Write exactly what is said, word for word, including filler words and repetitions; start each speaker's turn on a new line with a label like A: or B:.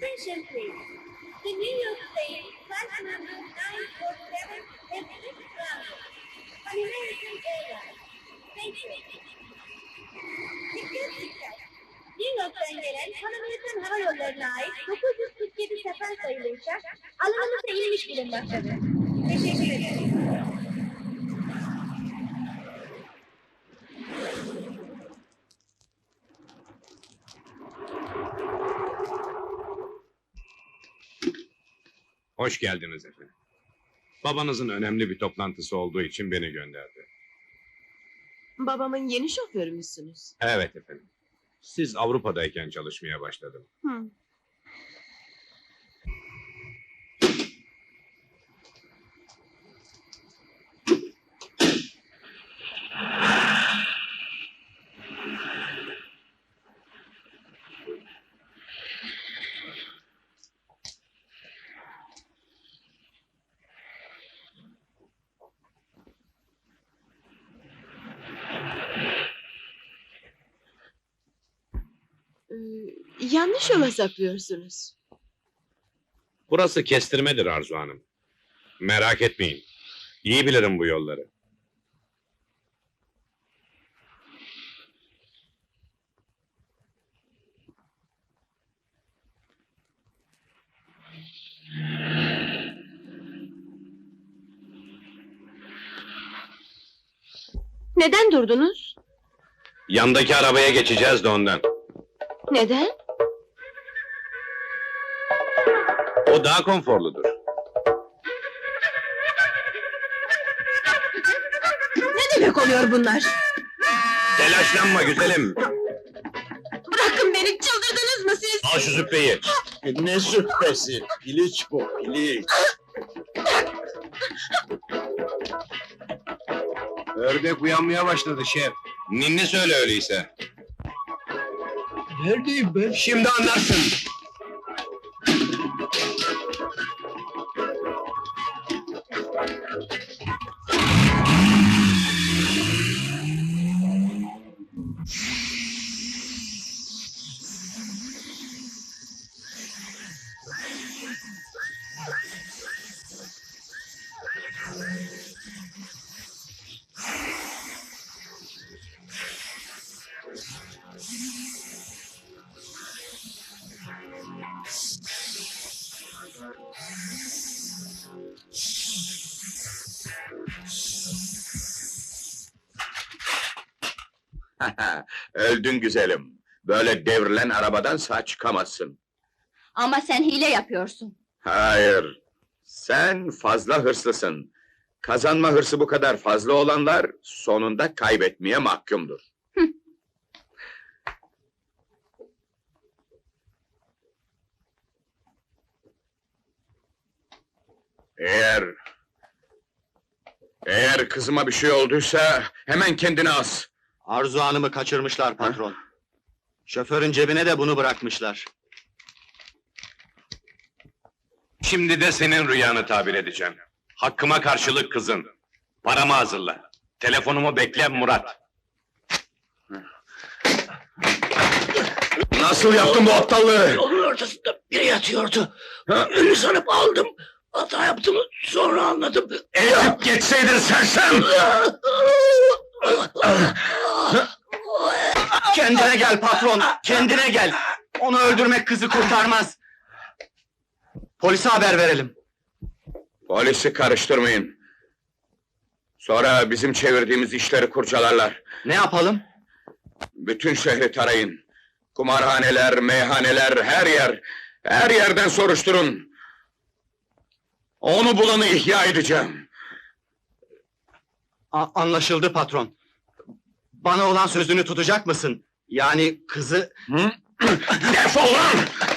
A: Attention please. The New York State flight number nine four seven has just grounded on American Airlines. Thank you. Dikkat dikkat. New York'tan gelen Pan Amerikan Hava Yolları'na ait dokuz yüz kırk yedi sefer sayılı uçak alanımıza inmiş bulunmaktadır. Teşekkür ederim.
B: Hoş geldiniz efendim. Babanızın önemli bir toplantısı olduğu için beni gönderdi.
C: Babamın yeni şoförü müsünüz?
B: Evet efendim. Siz Avrupa'dayken çalışmaya başladım.
C: Hı. Ee, yanlış yola sapıyorsunuz.
B: Burası kestirmedir Arzu Hanım. Merak etmeyin. İyi bilirim bu yolları.
C: Neden durdunuz?
B: Yandaki arabaya geçeceğiz de ondan.
C: Neden?
B: O daha konforludur.
C: Ne demek oluyor bunlar?
B: Telaşlanma güzelim.
C: Bırakın beni, çıldırdınız mı siz?
B: Al şu züppeyi.
D: Ne züppesi? Piliç bu, piliç.
B: Ördek uyanmaya başladı şef. Ninni söyle öyleyse.
D: Neredeyim ben?
B: Şimdi anlarsın.
D: Öldün güzelim. Böyle devrilen arabadan sağ çıkamazsın.
A: Ama sen hile yapıyorsun.
D: Hayır. Sen fazla hırslısın. Kazanma hırsı bu kadar fazla olanlar sonunda kaybetmeye mahkumdur. Eğer... Eğer kızıma bir şey olduysa hemen kendini as.
E: Arzu Hanım'ı kaçırmışlar patron. Şoförün cebine de bunu bırakmışlar.
B: Şimdi de senin rüyanı tabir edeceğim. Hakkıma karşılık kızın. Paramı hazırla. Telefonumu bekle Murat.
D: Nasıl yaptın bu aptallığı?
F: Yolun ortasında biri yatıyordu. Ünlü sanıp aldım. Hata yaptım, sonra anladım.
D: Ezip geçseydin sersem!
E: Kendine gel patron, kendine gel. Onu öldürmek kızı kurtarmaz. Polise haber verelim.
D: Polisi karıştırmayın. Sonra bizim çevirdiğimiz işleri kurcalarlar.
E: Ne yapalım?
D: Bütün şehri tarayın. Kumarhaneler, meyhaneler, her yer. Her yerden soruşturun. Onu bulanı ihya edeceğim.
E: A- anlaşıldı patron. Bana olan sözünü tutacak mısın? Yani kızı...
D: Hı? Defol lan!